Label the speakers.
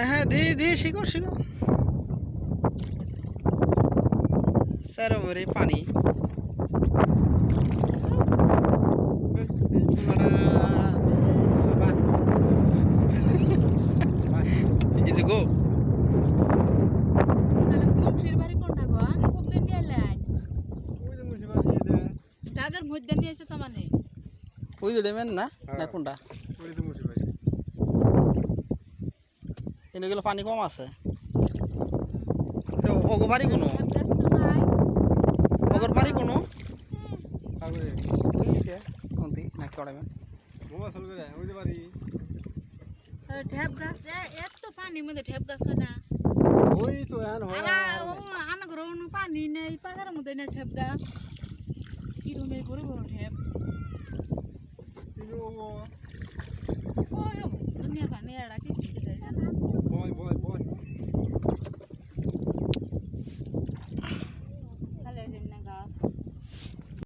Speaker 1: হ্যাঁ হ্যাঁ দি শিখো শিখো স্যার মেরে পানি ইজি গো
Speaker 2: তাহলে বংশীর বাড়ি কোনটা গো খুব দিন নিয়ে এলেন জাগার মধ্যে নিয়ে এসে তো মানে
Speaker 1: ওই যে ডেমেন না না কোনটা এগুলো পানি কম আছে তো ওগো বাড়ি কোনো ওগর বাড়ি কোনো ওই যে কোনটি না কড়াইমেন
Speaker 2: ঢেপ গাছ এত পানির মধ্যে ঢেপ গাছ হয় না
Speaker 3: ওই তো এখন হয়
Speaker 2: আনাগর পানি নেই পাহাড়ের মধ্যে নেই ঢেপ গাছ কিরমের বড় বড় ঢেপ ওই দুনিয়ার পানি এড়া কিছু